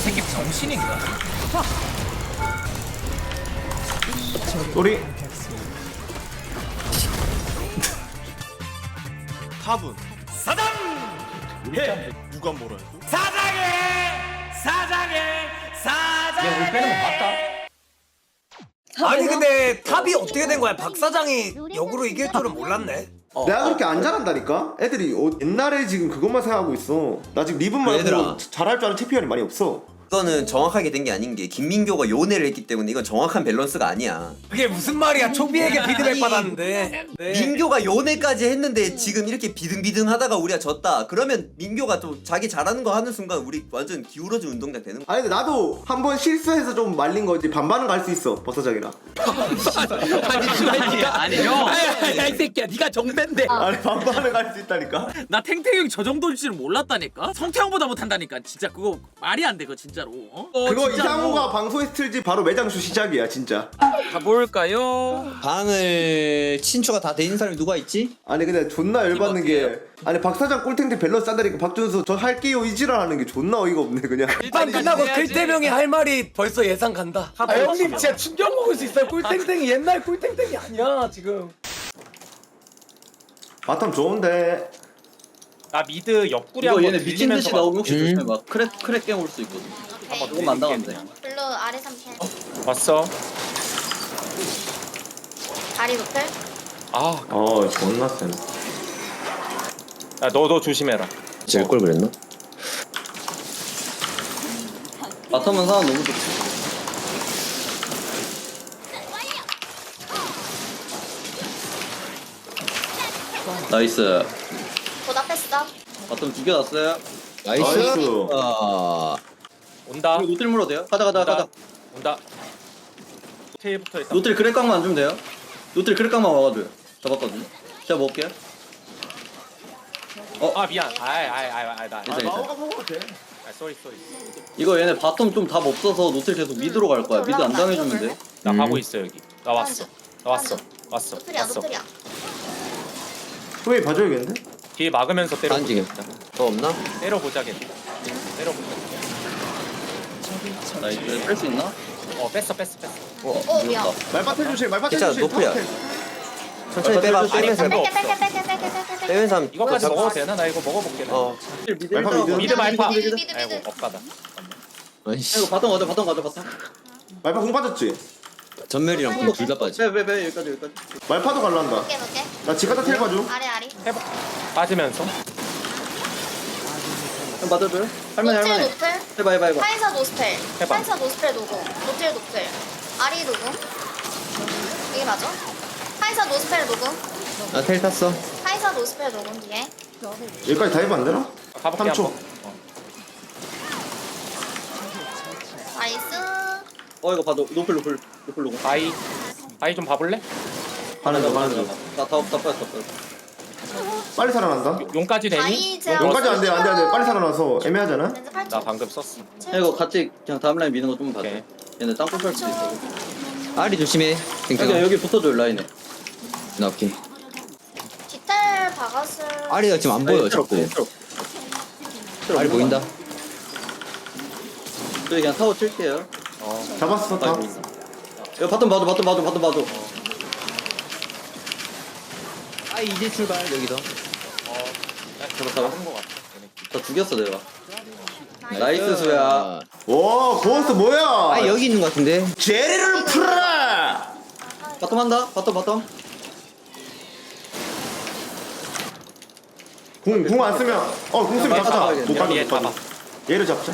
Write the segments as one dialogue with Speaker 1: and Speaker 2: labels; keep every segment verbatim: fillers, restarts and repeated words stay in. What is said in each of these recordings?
Speaker 1: 새끼 정신인가?
Speaker 2: 우리
Speaker 3: 탑은
Speaker 1: 사장!
Speaker 3: 해 누가 뭐라 해도
Speaker 1: 사장해! 사장해! 사장해!
Speaker 4: 야, 우리 빼는 거 봤다. 아니 근데 탑이 어떻게 된 거야? 박 사장이 역으로 이길 줄은 몰랐네. 어.
Speaker 2: 내가 그렇게 안 잘한다니까? 애들이 어, 옛날에 지금 그것만 생각하고 있어. 나 지금 리븐 말고
Speaker 5: 얘들아.
Speaker 2: 잘할 줄 아는 챔피언이 많이 없어.
Speaker 5: 이거는 정확하게 된 게 아닌 게 김민교가 요네를 했기 때문에 이건 정확한 밸런스가 아니야.
Speaker 4: 그게 무슨 말이야? 초비에게 피드백
Speaker 5: 아니,
Speaker 4: 받았는데. 네.
Speaker 5: 민교가 요네까지 했는데 지금 이렇게 비등비등하다가 우리가 졌다. 그러면 민교가 또 자기 잘하는 거 하는 순간 우리 완전 기울어진 운동장 되는 거야.
Speaker 2: 아니 근데 나도 한 번 실수해서 좀 말린 거지. 반반은 갈 수 있어 버섯작이랑.
Speaker 1: 아니 씨발이야 아니 형
Speaker 4: 야이 새끼야, 네가 정배인데.
Speaker 2: 아니 반반은 갈 수 있다니까.
Speaker 1: 나 탱탱이 저 정도일 줄은 몰랐다니까? 성태형보다 못한다니까 진짜 그거 말이 안 돼 그거 진짜로 어? 어,
Speaker 2: 그거
Speaker 1: 진짜로.
Speaker 2: 이상호가 방송에서 틀지 바로 매장수 시작이야 진짜.
Speaker 1: 가볼까요?
Speaker 5: 방을 친추가 다 돼 있는 사람이 누가 있지?
Speaker 2: 아니 근데 존나 열받는 게 아니 박 사장 꼴탱탱 밸런스 짠다니까 박준수 저 할게요 이지랄하는 게 존나 어이가 없네 그냥.
Speaker 4: 판 끝나고 글태명이 할 말이 벌써 예상 간다. 아 형님 진짜 충격 먹을 수 있어요. 꿀탱탱이 옛날 꿀탱탱이 아니야 지금.
Speaker 2: 바텀 좋은데.
Speaker 6: 나 미드 옆구리
Speaker 7: 이거
Speaker 6: 한번
Speaker 7: 얘네 미친 듯이
Speaker 6: 들리면서
Speaker 7: 나오면 혹시
Speaker 5: 음.
Speaker 7: 조심해봐. 크랙 크랙 게임 올 수 있거든.
Speaker 8: 오케이.
Speaker 7: 조금 안 나가면 돼.
Speaker 8: 블루 아래 삼 캔.
Speaker 6: 봤어.
Speaker 8: 다리 높을.
Speaker 6: 아,
Speaker 2: 어 존나 센.
Speaker 6: 야, 너도 조심해라.
Speaker 5: 질 걸 그랬나?
Speaker 7: 바텀은 상황 너무 좋지. 나이스.
Speaker 8: 보답했어.
Speaker 7: 바텀 죽여놨어요.
Speaker 5: 나이스.
Speaker 2: 나이스.
Speaker 5: 아,
Speaker 6: 온다.
Speaker 7: 이거 노틸 물어도 돼요? 가자 가자
Speaker 6: 온다.
Speaker 7: 가자.
Speaker 6: 온다. 테이부터 일단.
Speaker 7: 노틸 크랙각만 안 주면 돼요? 노틸 크랙각만 와가지고요. 잡았거든요. 제가 먹을게요.
Speaker 6: 아 미안. 아이 아이 아이 아이 나.
Speaker 7: 괜찮아,
Speaker 6: 아,
Speaker 7: 괜찮아.
Speaker 2: 나오가 먹어도 돼.
Speaker 6: 아, 쏘리 쏘리.
Speaker 7: 이거 얘네 바텀 좀 답 없어서 노틸 계속 미드로 갈 거야. 미드 안 당해주면 돼.
Speaker 6: 나
Speaker 5: 음.
Speaker 6: 가고 있어 여기. 나 왔어. 나 왔어. 왔어.
Speaker 8: 노플이야
Speaker 6: 왔어.
Speaker 8: 노플이야.
Speaker 2: 후에 봐줘야겠는데?
Speaker 6: 뒤에 막으면서 때려.
Speaker 5: 안지겠다. 더 없나?
Speaker 6: 때려 보자겠다. 때려 보자.
Speaker 7: 나이스. 뺄 수 있나?
Speaker 6: 어 뺐어 뺐어 뺐어.
Speaker 7: 어,
Speaker 8: 어, 미안.
Speaker 7: 늦었다.
Speaker 2: 말밭 해주세요 말밭
Speaker 5: 괜찮아,
Speaker 2: 해주세요.
Speaker 5: 노플이야.
Speaker 2: 탑
Speaker 5: 천천히 빼봐.
Speaker 7: 아니,
Speaker 5: 빼면서
Speaker 6: 아니,
Speaker 5: 해봐.
Speaker 8: 뺄게 뺄게 뺄게 뺄게 뺄게 뺄게.
Speaker 5: 빼면서 하면
Speaker 6: 이거까지
Speaker 5: 잡-
Speaker 6: 먹어도 되나? 나 이거 먹어볼게. 나.
Speaker 5: 어.
Speaker 7: 미드
Speaker 2: 말파
Speaker 7: 일단
Speaker 2: 미드.
Speaker 6: 미드 말파.
Speaker 8: 미드 미드
Speaker 6: 아이고
Speaker 8: 미드.
Speaker 6: 억가다.
Speaker 5: 아이씨.
Speaker 7: 이거 바텀 가자 바텀 가자 바텀.
Speaker 2: 말파 공 빠졌지?
Speaker 5: 전멸이랑 불 둘 다 빠지.
Speaker 7: 빼빼빼 여기까지 여기까지.
Speaker 2: 말파도 갈란다.
Speaker 8: 볼게 볼게.
Speaker 2: 나 지가다 텔 봐줘.
Speaker 8: 아래 아래.
Speaker 6: 빠지면서.
Speaker 7: 좀 맞아줘요? 할머니
Speaker 8: 노틸
Speaker 7: 할머니.
Speaker 8: 노플.
Speaker 7: 해봐 해봐 해봐.
Speaker 8: 카이사 노스펠.
Speaker 6: 해봐.
Speaker 8: 카이사 노스펠 노고. 노틸 노플. 아리 노고. 이게 맞아? 카이사 노스펠 노고.
Speaker 5: 나 텔 탔어.
Speaker 8: 카이사 노스펠 노고 뒤에.
Speaker 2: 여기까지 다 해봐 안 되나?
Speaker 6: 가볼게
Speaker 2: 삼 초.
Speaker 6: 한번. 어.
Speaker 8: 나이스.
Speaker 7: 어 이거 봐도 노플 노플 노플 노플.
Speaker 6: 아이 아이 좀 봐볼래?
Speaker 2: 가는 중 가는 중.
Speaker 7: 나다 없다 빠졌다 빠졌다.
Speaker 2: 빨리 살아난다.
Speaker 6: 용까지 되니?
Speaker 8: 아이 제가
Speaker 2: 여기까지 안돼 안돼 안돼 빨리 살아나서 애매하잖아.
Speaker 8: 렌즈 팔 초.
Speaker 6: 나 방금 썼어.
Speaker 7: 야, 이거 같이 그냥 다음 라인 미는 거 좀 봐줘.
Speaker 6: 오케이.
Speaker 7: 얘네 땅콩 살 수도 있어.
Speaker 5: 아리 조심해.
Speaker 7: 여기
Speaker 5: 땡땡아.
Speaker 7: 여기 붙어줘 라인에.
Speaker 5: 나 오케이.
Speaker 8: 디텔 박았을.
Speaker 5: 아리가 지금 안 보여 자꾸. 아리 보인다.
Speaker 7: 저희 그냥 타워 칠게요.
Speaker 2: 잡았어 다.
Speaker 7: 아이고. 이거 바텀 봐줘 바텀 봐줘 바텀 봐줘.
Speaker 5: 아 이제 출발 여기서.
Speaker 7: 잡아 잡아.
Speaker 6: 하는 거 같아. 얘네.
Speaker 7: 다 죽였어 내가.
Speaker 8: 나이스.
Speaker 7: 나이스 수야.
Speaker 2: 와 고원스 뭐야?
Speaker 5: 아 여기 있는 것 같은데.
Speaker 2: 제리를 풀어라.
Speaker 7: 바텀 한다. 바텀 바텀.
Speaker 2: 궁궁 안 쓰면 어궁 쓰면 잡자. 못
Speaker 6: 얘
Speaker 2: 가져 못
Speaker 6: 잡아.
Speaker 2: 가져. 얘를 잡자.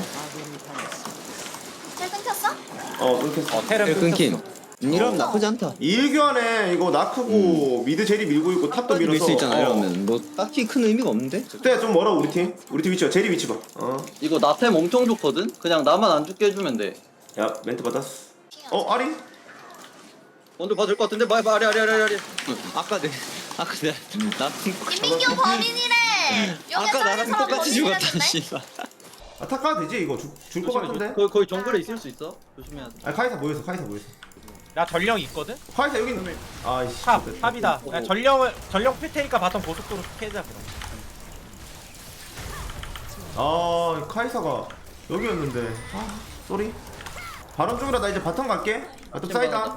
Speaker 8: 텔 끊겼어?
Speaker 2: 어 끊겼어.
Speaker 6: 어 테른
Speaker 5: 네, 끊김.
Speaker 6: 끊겼어.
Speaker 5: 이러면 나쁘지 않다.
Speaker 2: 이일교환에 이거 나크고 미드 제리 밀고 있고 탑도 밀어서.
Speaker 5: 밀수 있잖아
Speaker 2: 어.
Speaker 5: 이러면 뭐 딱히 큰 의미가 없는데.
Speaker 2: 그때 좀 멀어 우리 팀. 우리 팀 위치가 제리 위치 봐. 어.
Speaker 7: 이거 나템 엄청 좋거든. 그냥 나만 안 죽게 해주면 돼.
Speaker 2: 야 멘트 받았어. 어 아리?
Speaker 7: 먼저 봐줄 것 같은데. 봐봐 아리 아리 아리 아리.
Speaker 5: 아까 내 아까 내나
Speaker 8: 김민규 범인이래. 여기
Speaker 5: 아까
Speaker 8: 다른
Speaker 5: 나랑
Speaker 8: 사람
Speaker 5: 똑같이 죽었다
Speaker 8: 범인이랬는데?
Speaker 5: 씨발.
Speaker 2: 아 탑 가도 되지 이거 줄 것 같은데?
Speaker 7: 거의 거의 정글에 있을 수 있어. 조심해야 돼.
Speaker 2: 아 카이사 모여서 카이사 모여서.
Speaker 6: 나 전령 있거든.
Speaker 2: 카이사 여기 있는. 아이씨.
Speaker 6: 탑 탑이다. 야, 전령을 전령 필 테니까 바텀 고속도로 캐자 그럼.
Speaker 2: 아 카이사가 여기였는데. 아, 쏘리. 바람 쪽이라 나 이제 바텀 갈게. 바텀 사이다.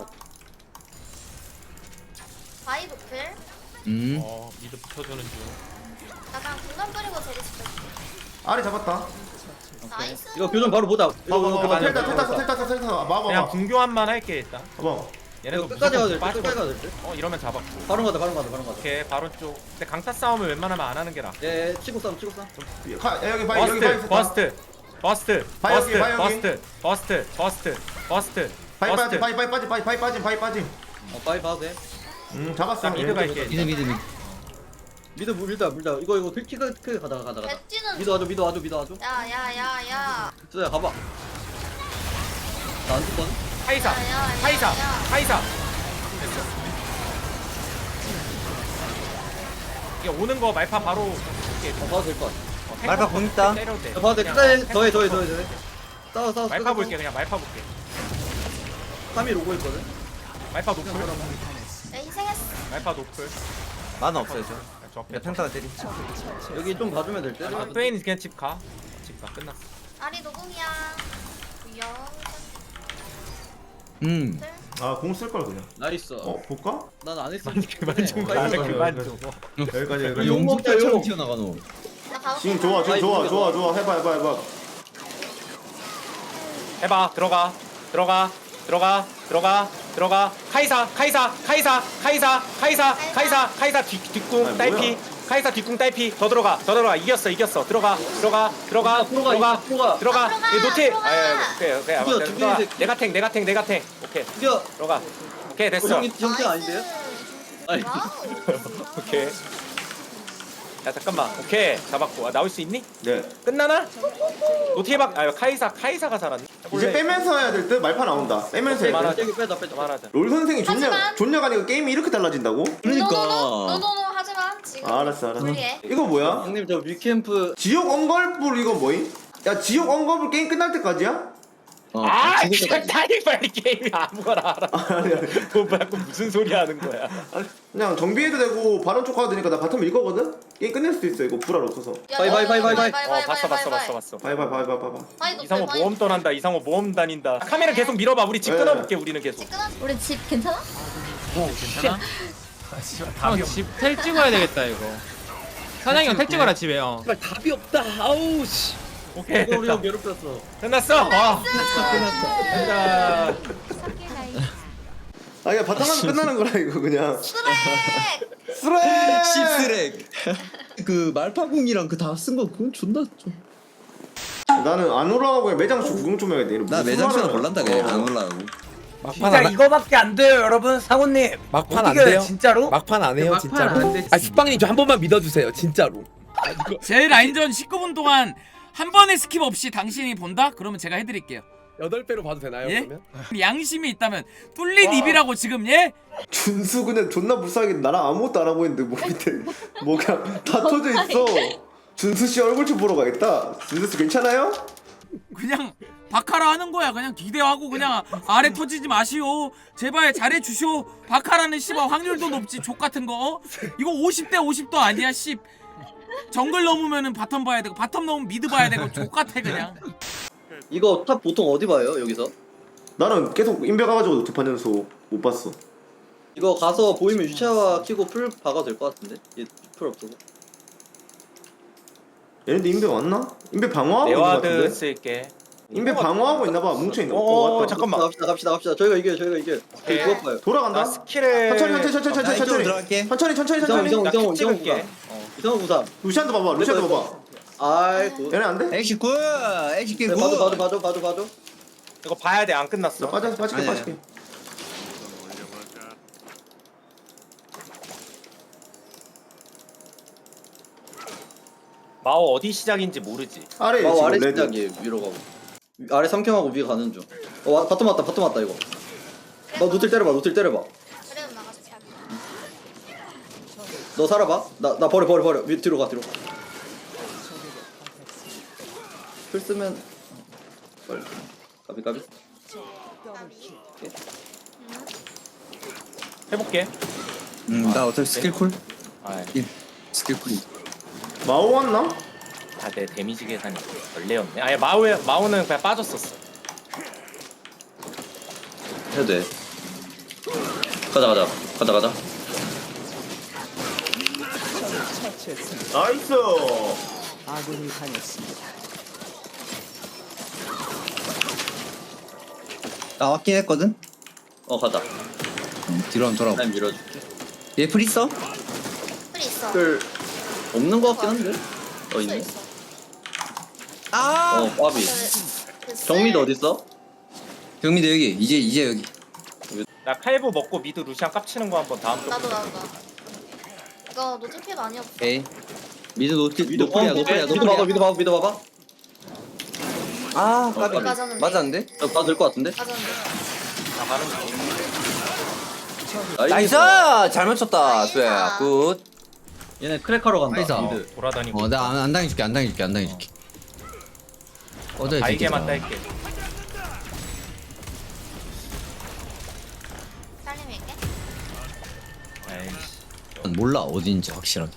Speaker 8: 바이 노플.
Speaker 7: 음.
Speaker 6: 어 미드 붙여주는 중.
Speaker 8: 나 그냥 공간 뿌리고 제리 칠게.
Speaker 2: 아래 잡았다.
Speaker 8: 나이스.
Speaker 7: 이거 교전 바로 보자. 이거
Speaker 2: 봐봐
Speaker 7: 이거
Speaker 2: 봐봐.
Speaker 7: 봐봐.
Speaker 2: 텔 탔어 텔 탔어 텔 탔어 텔 탔어. 봐봐
Speaker 6: 그냥
Speaker 2: 봐봐.
Speaker 6: 궁교환만 할게 일단.
Speaker 2: 봐봐.
Speaker 6: 얘네도
Speaker 7: 이거 끝까지 가도 될 듯.
Speaker 6: 빠지고.
Speaker 7: 끝까지 가도 될 듯.
Speaker 6: 어 이러면 잡았고.
Speaker 7: 바로 가자 바로 가자 바로 가자.
Speaker 6: 오케이 바로 쪽. 근데 강타 싸움을 웬만하면 안 하는 게 나.
Speaker 7: 예, 치고 싸움 치고 싸움.
Speaker 2: 가, 야, 여기 바이 여기 바이
Speaker 6: 버스트
Speaker 2: 있었다.
Speaker 6: 버스트 버스트
Speaker 2: 바이 여기, 바이 여기.
Speaker 6: 버스트 버스트 버스트 버스트
Speaker 2: 바이 빠지
Speaker 6: 버스트.
Speaker 2: 바이 바이 빠지 바이 바이 빠지 바이 빠지.
Speaker 7: 어, 빠이 봐도 돼.
Speaker 2: 음 잡았어.
Speaker 6: 나 미드 갈게.
Speaker 7: 미드 미드 미드. 미드 물다 물다. 이거 이거 킬키가 크 가다가 가다가.
Speaker 8: 배지는.
Speaker 7: 미드 와줘 미드 와줘 미드 와줘.
Speaker 8: 야야야야.
Speaker 7: 쏘야 가봐. 나안 죽거든.
Speaker 6: 카이사
Speaker 8: 야, 야, 야,
Speaker 6: 카이사
Speaker 8: 야.
Speaker 6: 카이사. 이게 오는 거 말파 바로 이렇게
Speaker 7: 어 봐도 될 것 같아.
Speaker 6: 어,
Speaker 5: 말파 공 있다.
Speaker 6: 때려도 돼.
Speaker 7: 야, 봐도 돼.
Speaker 6: 그냥
Speaker 7: 끝까지
Speaker 6: 탱커
Speaker 7: 더해 더해
Speaker 6: 탱커.
Speaker 7: 더해 더해. 싸워 싸워.
Speaker 6: 말파 볼게 그냥 말파 볼게.
Speaker 7: 삼 일 오고 있거든.
Speaker 6: 말파 노플
Speaker 8: 내 희생했어.
Speaker 6: 말파 노플.
Speaker 5: 만화 없어요 저.
Speaker 6: 저
Speaker 5: 야 평타가 때리.
Speaker 7: 여기 좀 봐주면 될 듯.
Speaker 6: 아, 트웨인 그냥 집 가. 집 가 끝났어.
Speaker 8: 아리 노궁이야. 구영.
Speaker 7: 음.
Speaker 2: 아공 쓸 걸 그냥.
Speaker 7: 나이스.
Speaker 2: 어 볼까?
Speaker 7: 난 안 했어.
Speaker 6: 그만 좀 가. 그만 좀.
Speaker 2: 여기까지 여기까지.
Speaker 7: 용 먹자요. 튀어나가노.
Speaker 8: 나 가고.
Speaker 2: 지금 좋아 지금
Speaker 7: 아이,
Speaker 2: 좋아
Speaker 7: 이거
Speaker 2: 좋아 좋아 해봐 해봐 해봐.
Speaker 6: 해봐 들어가 들어가 들어가 들어가 들어가 카이사 카이사 카이사 카이사 카이사 카이사 카이사 뒤 뒷궁
Speaker 2: 아니,
Speaker 6: 딸피
Speaker 2: 뭐야?
Speaker 6: 카이사 뒷궁 딸피 더 들어가 더 들어가 이겼어 이겼어 들어가 들어가 들어가
Speaker 7: 들어가,
Speaker 6: 들어가
Speaker 7: 들어가.
Speaker 6: 들어가
Speaker 8: 아, 들어가,
Speaker 6: 이 노티
Speaker 8: 들어가.
Speaker 6: 아 오케이 오케이
Speaker 7: 들어가,
Speaker 6: 알았어. 들어가
Speaker 7: 들어가.
Speaker 6: 내가 탱 내가 탱 내가 탱 오케이
Speaker 7: 이겨.
Speaker 6: 들어가 오케이 됐어
Speaker 7: 형이 형태 아닌데요? 아니.
Speaker 8: 와우.
Speaker 6: 오케이 야 잠깐만 오케이 잡았고 아, 나올 수 있니?
Speaker 2: 네.
Speaker 6: 끝나나? 노티 해박 아 카이사 카이사가 살았네
Speaker 2: 이제 빼면서 해야 될 듯. 말파 나온다. 빼면서 해.
Speaker 6: 그만하자.
Speaker 7: 빼기 빼다 빼다.
Speaker 6: 그만하자
Speaker 2: 롤 선생이 존냐
Speaker 8: 하지만-
Speaker 2: 존냐가 아니고 게임이 이렇게 달라진다고?
Speaker 7: 그러니까.
Speaker 8: 노노노 하지만 지금.
Speaker 2: 아, 알았어 알았어.
Speaker 8: 무리해.
Speaker 2: 이거 뭐야?
Speaker 7: 형님 저 위캠프.
Speaker 2: 지옥 언걸불 이거 뭐임? 야 지옥 언걸불 게임 끝날 때까지야?
Speaker 7: 어,
Speaker 6: 아
Speaker 7: 죽을
Speaker 6: 진짜
Speaker 7: 때까지.
Speaker 6: 타이 빨리 게임이 아무거나 알아
Speaker 2: 아니 아니.
Speaker 6: 돈 받고 무슨 소리 하는 거야
Speaker 2: 그냥 정비해도 되고 바론 쪽 가도 되니까 나 바텀 밀 거거든? 게임 끝낼 수도 있어 이거 불알 없어서.
Speaker 8: 야,
Speaker 7: 바이, 바이, 바이, 바이, 바이.
Speaker 6: 어 봤어 봤어 봤어 봤어
Speaker 2: 바이바이 바이바이 바이바이.
Speaker 8: 바이 노플,
Speaker 6: 이상호
Speaker 8: 바이
Speaker 6: 모험 떠난다 이상호 모험 다닌다 카메라 계속 밀어봐 우리 집
Speaker 2: 네.
Speaker 6: 끊어볼게 우리는 계속
Speaker 8: 집 끊어. 우리 집 괜찮아?
Speaker 1: 괜찮아?
Speaker 9: 형, 집텔 찍어야 되겠다 이거. 사장이 형 텔 찍어라 집에 형.
Speaker 7: 정말 답이 없다. 아우 씨.
Speaker 6: 오케이
Speaker 7: 이거 우리 형
Speaker 6: 됐다
Speaker 7: 괴롭혔어.
Speaker 6: 끝났어 어. 자,
Speaker 2: 아 이거 바텀 하면 끝나는 거라 이거 그냥.
Speaker 8: 스렉.
Speaker 2: 쓰레.
Speaker 5: 씹스렉. 그 말파궁이랑 그 다 쓴 거 그건 존나 좀.
Speaker 2: 나는 안 올라가고 그냥 매장수 구경 좀 해야 돼.
Speaker 5: 나 매장수는 몰란다 그냥 안 올라가고.
Speaker 4: 진짜 이거밖에 안 돼요 여러분. 상훈님
Speaker 10: 막판 안
Speaker 4: 어떻게 해요,
Speaker 10: 돼요?
Speaker 4: 진짜로?
Speaker 10: 막판 안 해요
Speaker 9: 막판
Speaker 10: 진짜로?
Speaker 9: 안 돼.
Speaker 10: 아 숙방님 저 한 번만 믿어주세요 진짜로.
Speaker 1: 제 라인전 십구 분 동안 한 번의 스킵 없이 당신이 본다? 그러면 제가 해드릴게요.
Speaker 10: 여덟 배로 봐도 되나요
Speaker 1: 예?
Speaker 10: 그러면?
Speaker 1: 양심이 있다면 뚫린 입이라고 지금 예?
Speaker 2: 준수 그냥 존나 불쌍하게 나랑 아무것도 안 하고 있는데 뭐 밑에 뭐 그냥 다 터져 있어. 준수 씨 얼굴 좀 보러 가겠다. 준수 씨 괜찮아요?
Speaker 1: 그냥 바카라 하는 거야. 그냥 기대하고 그냥 아래 터지지 마시오. 제발 잘해 주시오. 바카라는 씨발 확률도 높지. 족 같은 거. 어? 이거 오십 대 오십도 아니야. 씨. 정글 넘으면은 바텀 봐야 되고 바텀 넘으면 미드 봐야 되고 족 같아 그냥.
Speaker 7: 이거 탑 보통 어디 봐요 여기서?
Speaker 2: 나는 계속 인베 가가지고 두 판 연속 못 봤어.
Speaker 7: 이거 가서 보이면 유차와 키고 풀 박아도 될 것 같은데? 얘풀 없어서.
Speaker 2: 얘네들 인베 왔나? 인베 방어하고 있는 거
Speaker 6: 네와드
Speaker 2: 같은데?
Speaker 6: 쓸게
Speaker 2: 인베 방어하고 있나봐. 뭉쳐있는 거.
Speaker 6: 어,
Speaker 2: 어, 왔다.
Speaker 6: 잠깐만.
Speaker 7: 갑시다 갑시다 갑시다. 저희가 이겨요 저희가 이겨요. 저희 그거 봐요.
Speaker 2: 돌아간다.
Speaker 6: 나 스킬을
Speaker 2: 천천히 천천히 천천히
Speaker 5: 나
Speaker 2: 천천히
Speaker 5: 이쪽으로
Speaker 2: 천천히
Speaker 5: 들어갈게.
Speaker 2: 천천히 천천히
Speaker 7: 이성
Speaker 2: 천천히.
Speaker 7: 이성
Speaker 6: 나
Speaker 7: 이성
Speaker 6: 킥
Speaker 7: 이성
Speaker 6: 찍을게
Speaker 7: 구삼. 이성 구삼.
Speaker 2: 루시안도 봐봐. 루시안도 봐봐.
Speaker 7: 아이고.
Speaker 2: 얘네 안 돼?
Speaker 5: 엑시쿠 엑시쿠.
Speaker 7: 네, 봐줘 봐줘 봐줘 봐줘 봐줘.
Speaker 6: 이거 봐야 돼 안
Speaker 2: 나
Speaker 6: 끝났어
Speaker 2: 빠져 빠질게
Speaker 5: 아니야.
Speaker 2: 빠질게.
Speaker 6: 마오 어디 시작인지 모르지
Speaker 2: 아래
Speaker 7: 마우
Speaker 2: 지금
Speaker 7: 아래
Speaker 2: 레드.
Speaker 7: 시작이에요 위로 가고. 위- 아래 삼캠하고 위에 가는 중. 어 와, 바텀 왔다 바텀 왔다 이거. 너 노틸 때려봐 노틸 때려봐.
Speaker 8: 그래 나가서 잘.
Speaker 7: 너 살아봐. 나 나 버려 버려 버려. 위 뒤로 가 뒤로. 풀 쓰면 빨리. 까비 까비.
Speaker 6: 해볼게
Speaker 5: 음나 어차피 스킬 쿨.
Speaker 6: 아,
Speaker 5: 스킬 쿨이.
Speaker 2: 마오 왔나?
Speaker 6: 아, 내 데미지 계산이 원래였네. 아니 마우 마우는 그냥 빠졌었어.
Speaker 7: 해도 돼. 가자 가자 가자 가자.
Speaker 2: 나이스.
Speaker 5: 나왔긴 했거든.
Speaker 7: 어 가자.
Speaker 5: 뒤로 한번 돌아봐.
Speaker 7: 난 밀어줄게.
Speaker 5: 얘풀 있어?
Speaker 8: 풀 있어.
Speaker 7: 풀 없는 거 같긴 한데. 어 있네.
Speaker 8: 있어.
Speaker 5: 아.
Speaker 7: 어 빠비.
Speaker 8: 그 쓸-
Speaker 7: 경미도 어디 있어?
Speaker 5: 경미도 여기. 이제 이제 여기.
Speaker 6: 나 칼부 먹고 미드 루시안 깝치는 거 한번 다음 또.
Speaker 8: 나도 나도 나. 이거 노틸 피해 많이 없어.
Speaker 5: 오케이. 미드 노트
Speaker 7: 미드
Speaker 5: 노플이야
Speaker 7: 어,
Speaker 5: 노플이야
Speaker 7: 미드 봐봐
Speaker 5: 노플이야.
Speaker 7: 미드 봐봐 미드 봐봐.
Speaker 5: 아
Speaker 7: 어,
Speaker 5: 까비.
Speaker 8: 맞았는데.
Speaker 5: 맞았는데?
Speaker 7: 어, 봐도 될 것 같은데?
Speaker 8: 맞았는데.
Speaker 6: 나 가는 중.
Speaker 5: 나이스. 잘 맞췄다.
Speaker 8: 나이스.
Speaker 5: 수야. 굿.
Speaker 7: 얘네 크래커로 간다.
Speaker 5: 나이스.
Speaker 7: 미드.
Speaker 6: 돌아다니고.
Speaker 5: 어, 나 안 당해줄게, 안 당해줄게, 안 당해줄게. 어제
Speaker 6: 바이게만 딸게.
Speaker 8: 살림일게.
Speaker 6: 에이씨.
Speaker 5: 몰라 어딘지 확실하게.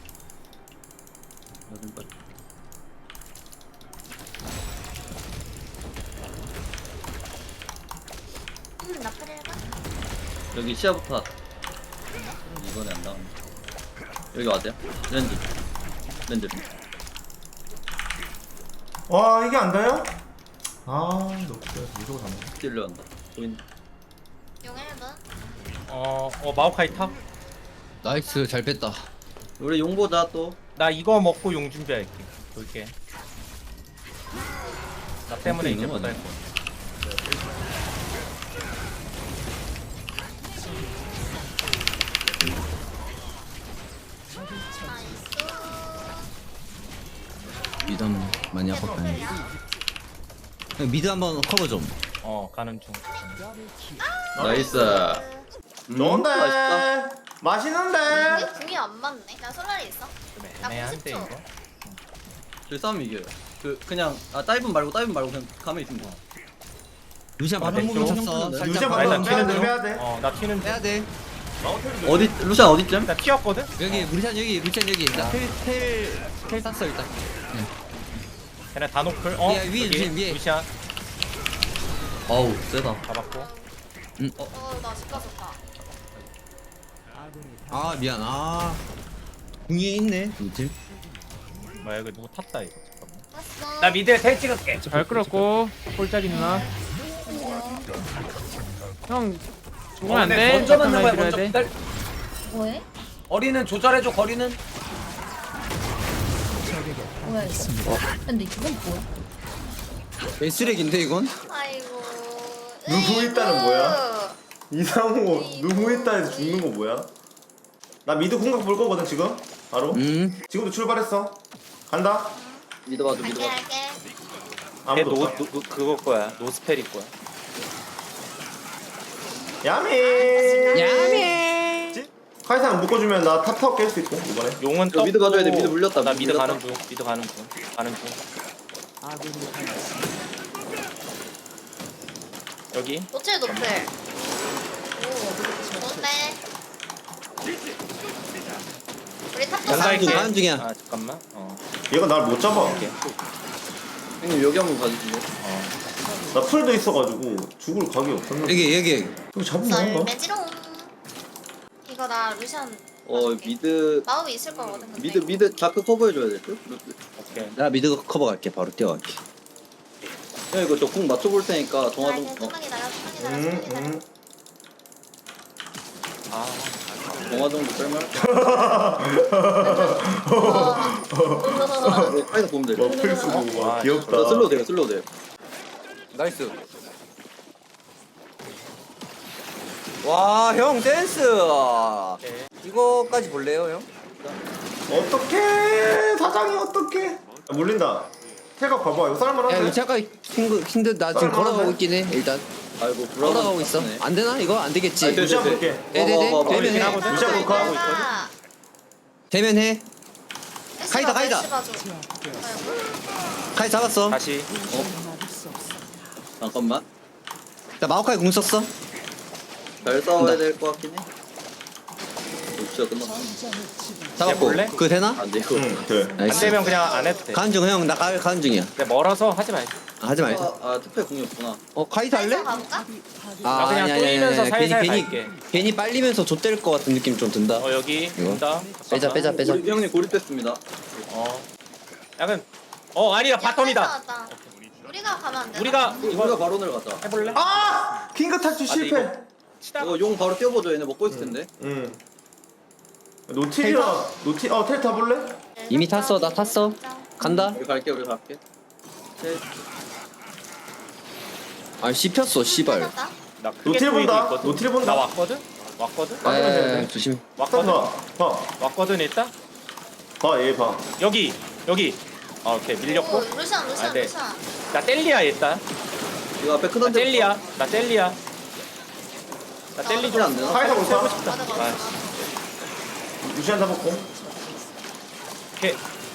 Speaker 8: 음, 나 풀일까?
Speaker 7: 여기 시야부터. 이번에 안 나오네. 여기 와세요. 렌즈. 렌즈.
Speaker 2: 와 이게 안 닿아요? 아 너무 무서워 잡네.
Speaker 7: 딜러 한다. 보인.
Speaker 8: 용 일 분.
Speaker 6: 어, 어 마오카이 탑.
Speaker 5: 나이스, 잘 뺐다.
Speaker 7: 우리 용 보자 또.
Speaker 6: 나 이거 먹고 용 준비할게. 볼게. 나 때문에 이제
Speaker 7: 있는
Speaker 6: 못
Speaker 7: 거네.
Speaker 6: 할 거야.
Speaker 5: 미드 한번 많이 아팠다. 미드 한번 커버 좀.
Speaker 6: 어 가는 중.
Speaker 7: 나이스.
Speaker 2: 좋은데.
Speaker 7: 맛있다.
Speaker 2: 맛있는데.
Speaker 8: 이게 궁이 안 맞네. 나 솔라리 있어.
Speaker 6: 좀
Speaker 8: 나
Speaker 6: 애매한데
Speaker 8: 구십 초.
Speaker 6: 이거.
Speaker 7: 저희 싸움 이겨요. 그 그냥 아 다이브 말고 다이브 말고 그냥 가만히 있으면 돼.
Speaker 5: 루시안
Speaker 6: 아,
Speaker 5: 방금
Speaker 6: 됐죠.
Speaker 5: 쳤어.
Speaker 2: 루시안
Speaker 5: 살짝
Speaker 2: 방금
Speaker 6: 나
Speaker 5: 방금
Speaker 6: 일단
Speaker 2: 빼야 돼,
Speaker 6: 튀는
Speaker 2: 빼야
Speaker 6: 중.
Speaker 2: 돼.
Speaker 6: 어, 나 튀는 중.
Speaker 5: 빼야 돼.
Speaker 7: 어디 루시안 어디쯤?
Speaker 6: 나 튀었거든.
Speaker 5: 여기 루시안 여기 루시안 여기. 나텔텔텔 땄어 일단.
Speaker 6: 걔네 다 노플. 어.
Speaker 5: 야, 위에,
Speaker 6: 여기
Speaker 5: 위에, 위에.
Speaker 6: 루시안
Speaker 7: 어우 세다.
Speaker 6: 잡았고.
Speaker 8: 어, 나 집 갔었다.
Speaker 5: 아 미안. 아. 궁이 있네. 노틸.
Speaker 6: 뭐야 이거 누구 탔다 이거. 잠깐만.
Speaker 8: 왔어.
Speaker 6: 나 미드에 텔 찍을게.
Speaker 9: 잘 끌었고 꼴짜기 누나. 형 죽으면 안 돼.
Speaker 4: 먼저 맞는 거야
Speaker 9: 잠깐만
Speaker 4: 먼저.
Speaker 9: 기다려야 돼.
Speaker 4: 기다려.
Speaker 8: 뭐해?
Speaker 4: 거리는 조절해줘 거리는.
Speaker 8: 뭐야 이거? 근데 이건 뭐야?
Speaker 5: 개 쓰레기인데 이건?
Speaker 8: 아이고.
Speaker 2: 누구 있다는 뭐야? 이상호 누구 있다에서 죽는 거 뭐야? 나 미드 공각 볼 거거든 지금. 바로.
Speaker 5: 음.
Speaker 2: 지금도 출발했어. 간다.
Speaker 7: 미드 봐줘 미드
Speaker 8: 갈게
Speaker 7: 봐.
Speaker 8: 갈게.
Speaker 2: 아무도
Speaker 6: 걔노
Speaker 2: 없다.
Speaker 6: 노, 노, 그거 거야. 노스펠일 거야.
Speaker 2: 야미.
Speaker 5: 야미.
Speaker 2: 카이상 묶어주면 나 탑타워 깰 수 있고 이번에.
Speaker 6: 용은
Speaker 7: 저 미드
Speaker 6: 떴고,
Speaker 7: 가져야 돼, 미드 물렸다,
Speaker 6: 나
Speaker 7: 미드
Speaker 6: 미드
Speaker 7: 물렸다.
Speaker 6: 가는 중. 미드 가는 중. 가는 중. 여기.
Speaker 8: 노틸 노플. 오. 좋대. 우리 탑도
Speaker 6: 연사
Speaker 5: 중,
Speaker 6: 있게.
Speaker 5: 가는 중이야.
Speaker 6: 아 잠깐만. 어.
Speaker 2: 얘가 날 못 잡아.
Speaker 7: 형님 여기 한번 봐주실래요?
Speaker 6: 어.
Speaker 2: 나 풀도 있어가지고 죽을 각이 없었는데.
Speaker 5: 여기 여기.
Speaker 2: 이거 잡으면 거
Speaker 8: 썰매지롱. 이거 나 루시안
Speaker 7: 어
Speaker 8: 봐줄게.
Speaker 7: 미드
Speaker 8: 마법이 있을 거거든 근데.
Speaker 7: 미드 미드 자크 커버해줘야 될 듯?
Speaker 6: 오케이.
Speaker 5: 나 미드 커버 갈게. 바로 뛰어갈게.
Speaker 7: 형 이거 저궁 맞춰볼 테니까 정화 좀
Speaker 8: 아,
Speaker 7: 어,
Speaker 8: 좀만 기다려 좀만 기다려
Speaker 2: 음,
Speaker 8: 좀만 기다려.
Speaker 2: 음.
Speaker 6: 아.
Speaker 7: 정화 정도 뺄만.
Speaker 8: 어.
Speaker 7: 네, 카이사 보면 돼.
Speaker 2: 뭐 풀 쓰고
Speaker 6: 아,
Speaker 2: 와
Speaker 7: 저
Speaker 2: 귀엽다.
Speaker 7: 슬로우 돼요 슬로우 돼요.
Speaker 5: 나이스. 와, 형 댄스.
Speaker 6: 오케이.
Speaker 5: 이거까지 볼래요, 형?
Speaker 2: 어떡해 사장이 어떡해. 아, 물린다. 태각 봐봐 이거
Speaker 5: 야,
Speaker 2: 쌀만한데.
Speaker 5: 이거 잠깐 힘들 힘들 나 지금
Speaker 2: 썰
Speaker 5: 걸어가고
Speaker 2: 많은데?
Speaker 5: 있긴 해. 일단
Speaker 7: 아이고 불안한
Speaker 5: 걸어가고 있어.
Speaker 7: 네.
Speaker 5: 안 되나? 이거 안 되겠지.
Speaker 7: 아니, 돼,
Speaker 2: 루시안
Speaker 7: 돼,
Speaker 2: 볼게.
Speaker 7: 돼.
Speaker 5: 네네네.
Speaker 7: 와, 와, 와,
Speaker 5: 되면 해.
Speaker 6: 하거든.
Speaker 2: 루시안 볼까? 하고
Speaker 5: 되면 해. 카이다, 카이다. 카이 잡았어.
Speaker 6: 다시.
Speaker 7: 잠깐만.
Speaker 5: 나 마오카이 궁 썼어.
Speaker 7: 잘 싸워야 될 것 같긴 해. 진짜 끝났어. 잡았고.
Speaker 6: 볼래?
Speaker 7: 그거 되나?
Speaker 5: 아,
Speaker 7: 안 돼, 이거.
Speaker 2: 돼.
Speaker 6: 안
Speaker 7: 나이스.
Speaker 6: 되면 그냥 안 해도 돼.
Speaker 7: 가는 중, 형. 나 가, 가는 중이야.
Speaker 6: 근데 멀어서 하지 말자.
Speaker 7: 아, 하지 말자.
Speaker 5: 어,
Speaker 7: 아, 특패 공이 없구나. 어, 카이사 할래?
Speaker 8: 카이사 가볼까?
Speaker 6: 나 그냥 뚫리면서 살살
Speaker 7: 괜히,
Speaker 6: 갈게.
Speaker 7: 괜히, 괜히 빨리면서 좆될 것 같은 느낌 좀 든다.
Speaker 6: 어 여기
Speaker 7: 이거?
Speaker 6: 온다.
Speaker 7: 빼자, 빼자, 빼자.
Speaker 5: 우리 형님 고립됐습니다.
Speaker 6: 어. 약간 어 아니다
Speaker 8: 야, 카이사
Speaker 6: 바텀이다.
Speaker 8: 왔다. 우리가 가면 안 돼.
Speaker 6: 우리가
Speaker 7: 우리가
Speaker 6: 이거
Speaker 7: 바론을 가자.
Speaker 6: 해볼래?
Speaker 2: 아! 킹크 탈출
Speaker 6: 아, 근데
Speaker 2: 실패.
Speaker 6: 이거 치다가
Speaker 7: 이거 용 바로 뛰어보죠. 얘네 먹고 있을 텐데.
Speaker 2: 응. 노틸이야. 노틸 어 텔 타볼래?
Speaker 7: 이미 탔어, 나 탔어. 간다. 우리 갈게, 우리 갈게. 아, 씹혔어, 씨발.
Speaker 8: 끝났다.
Speaker 6: 나 크게
Speaker 2: 노틸
Speaker 6: 보이고
Speaker 2: 본다.
Speaker 6: 있거든.
Speaker 2: 노틸 본다.
Speaker 6: 나 왔거든. 왔거든.
Speaker 7: 에, 조심.
Speaker 2: 왔거든. 봐. 봐.
Speaker 6: 왔거든 일단.
Speaker 2: 봐, 얘 봐.
Speaker 6: 여기 여기. 아 오케이 밀렸고.
Speaker 8: 오, 루시안 루시안
Speaker 6: 아, 네.
Speaker 8: 루시안.
Speaker 6: 나 텔리야 일단.
Speaker 7: 이거 앞에
Speaker 6: 나
Speaker 7: 크던데.
Speaker 6: 텔리야. 나 텔리야. 나 텔리 좀
Speaker 7: 안 되나?
Speaker 2: 카이사 볼까?
Speaker 8: 맞아 맞아.
Speaker 6: 아,
Speaker 2: 루시안 잡았고.
Speaker 6: 오케이.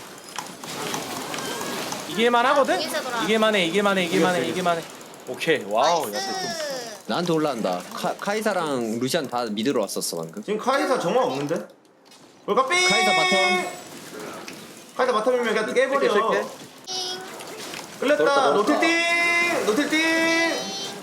Speaker 6: 이길만 하거든?
Speaker 8: 이길 세도라.
Speaker 6: 이길만해 이길만해 이길만해
Speaker 2: 이겼어,
Speaker 6: 이길만해. 오케이 와우. 야,
Speaker 8: 나이스.
Speaker 7: 나한테 올라간다. 카, 카이사랑 루시안 다 미드로 왔었어, 방금.
Speaker 2: 지금 카이사 정화 없는데? 뭘까 삥!
Speaker 7: 카이사 바텀.
Speaker 2: 카이사 바텀이면 그냥 깨버려.
Speaker 7: 뺄게.
Speaker 8: 띵.
Speaker 2: 끌렸다.
Speaker 7: 넣었다,
Speaker 2: 노틸
Speaker 7: 넣었다.
Speaker 2: 띵! 노틸 띵!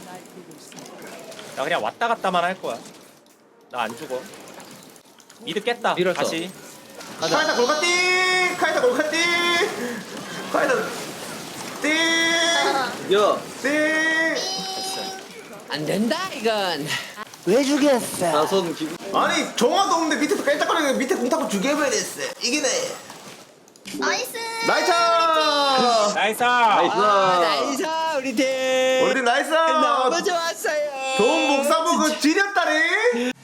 Speaker 6: 나 그냥 왔다 갔다만 할 거야. 나 안 죽어. 미드 깼다.
Speaker 7: 밀었어.
Speaker 6: 다시.
Speaker 2: 카이사 골카 띵! 카이사 골카 띵! 카이사 띵!
Speaker 7: 야,
Speaker 2: 띵!
Speaker 7: 안 된다, 이건.
Speaker 4: 왜 죽였어?
Speaker 7: 나선 기분.
Speaker 2: 아니 정화도 없는데 밑에서 깔짝거리는 밑에 공 타고 죽여버렸어. 이기네.
Speaker 8: 나이스.
Speaker 2: 나이스!
Speaker 6: 나이스.
Speaker 7: 아, 나이사, 우리 팀.
Speaker 2: 우리 팀 나이스!
Speaker 7: 너무 좋았어요.
Speaker 2: 좋은 목사 보고 지렸다리!